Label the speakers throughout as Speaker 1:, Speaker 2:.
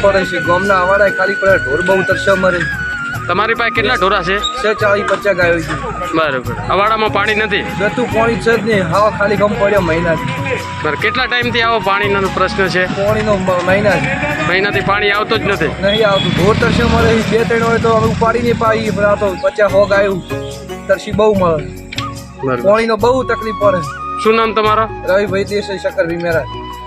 Speaker 1: પડે છે. ગામના આવાડા ખાલી પડે, ઢોર બહુ તરસે મરે.
Speaker 2: તમારી પાસે કેટલા ઢોરા છે?
Speaker 1: 40-50 ગાયો છે.
Speaker 2: બરાબર. અવાડામાં પાણી નથી?
Speaker 1: જતું પાણી છે જ નહીં, હાવ ખાલી ગમ પડ્યો મહિનાથી.
Speaker 2: બરાબર. કેટલા ટાઈમથી આવો પાણીનો પ્રશ્ન છે?
Speaker 1: પાણીનો
Speaker 2: મહિનાથી પાણી આવતો જ નથી?
Speaker 1: નહીં આવતું. ઢોર તરસે મળે 2-3 હોય તો અમે ઉપાડી નહીં પાડીએ, પણ આ તો 50-100 ગાયો તરસી બહુ મળે.
Speaker 2: બરાબર.
Speaker 1: પાણીનો બહુ તકલીફ પડે.
Speaker 2: શું નામ તમારો?
Speaker 1: રવિભાઈ દેસાઈ, શક્કર વિમેરા.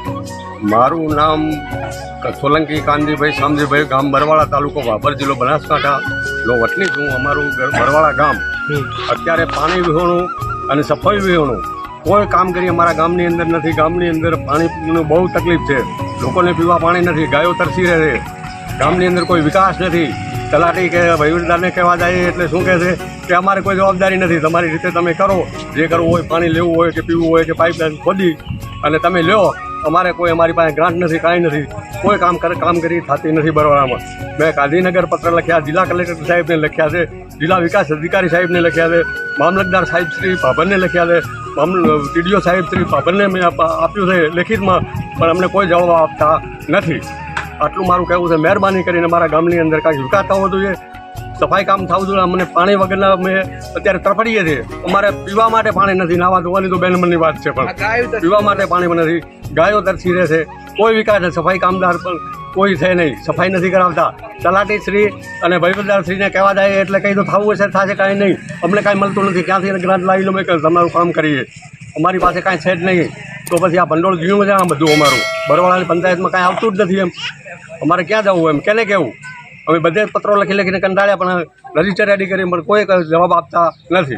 Speaker 3: મારું નામ સોલંકી કાનજીભાઈ શામજીભાઈ, ગામ બરવાળા, તાલુકો ભાભર, જિલ્લો બનાસકાંઠા નો વતની છું. અમારું બરવાળા ગામ અત્યારે પાણી વિહોણું અને સફાઈ વિહોણું કોઈ કામ કરી અમારા ગામની અંદર નથી. ગામની અંદર પાણીનું બહુ તકલીફ છે. લોકોને પીવા પાણી નથી, ગાયો તરસી રહે છે. ગામની અંદર કોઈ વિકાસ નથી. તલાટી કે વહીવટદારને કહેવા જાય એટલે શું કહે છે કે અમારે કોઈ જવાબદારી નથી, તમારી રીતે તમે કરો, જે કરવું હોય, પાણી લેવું હોય કે પીવું હોય કે પાઇપલાઇન ખોદી અને તમે લ્યો. અમારે કોઈ, અમારી પાસે ગ્રાન્ટ નથી, કાંઈ નથી. કોઈ કામગીરી થતી નથી બરવાળામાં. મેં ગાંધીનગર પત્ર લખ્યા, જિલ્લા કલેક્ટર સાહેબને લખ્યા છે, જિલ્લા વિકાસ અધિકારી સાહેબને લખ્યા છે, મામલતદાર સાહેબ શ્રી ભાભરને લખ્યા છે, ટીડીઓ સાહેબ શ્રી ભાભરને મેં આપ્યું છે લેખિતમાં, પણ અમને કોઈ જવાબ આપતા નથી. આટલું મારું કહેવું છે. મહેરબાની કરીને મારા ગામની અંદર કાંઈક વિકાસ થવો જોઈએ, સફાઈ કામ થવું જોઈએ. અમને પાણી વગરના અમે અત્યારે તરફડીએ છીએ. અમારે પીવા માટે પાણી નથી, નાવા ધોવાની તો બેનમનની વાત છે, પણ પીવા માટે પાણી નથી. ગાયો તરસી રહે છે. કોઈ વિકાસ નથી. સફાઈ કામદાર પણ કોઈ છે નહીં, સફાઈ નથી કરાવતા. તલાટી શ્રી અને વહીવટદાર શ્રીને કહેવા જાય એટલે કંઈ તો થવું હશે, થશે, કાંઈ નહીં. અમને કાંઈ મળતું નથી. ક્યાંથી ગ્રાન્ટ લાવી લો, મેં તમારું કામ કરીએ. અમારી પાસે કાંઈ છે જ નહીં. તો પછી આ ભંડોળ જીણું છે આ બધું અમારું. બરવાળાની પંચાયતમાં કાંઈ આવતું જ નથી. એમ અમારે ક્યાં જવું? એમ કેને કહેવું? અમે બધે પત્રો લખીને કંટાળ્યા, પણ રજીસ્ટર રેડી કરી પણ કોઈ જવાબ આપતા નથી.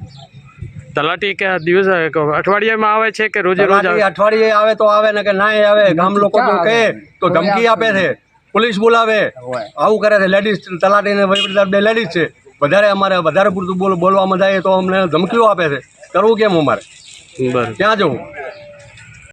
Speaker 2: તલાટી કે દિવસ અઠવાડિયામાં આવે છે કે રોજે રોજ આવે?
Speaker 3: અઠવાડિયે આવે તો આવે ને કે ના આવે. ગામ લોકો તો કહે તો ધમકી આપે છે, પોલીસ બોલાવે, આવું કરે છે. લેડીઝ તલાટી ને વહીવટદાર 2 લેડીઝ છે. વધારે પૂરતું બોલવામાં જાય તો અમને ધમકીઓ આપે છે. કરવું કેમ અમારે?
Speaker 2: બરાબર.
Speaker 3: ક્યાં જવું?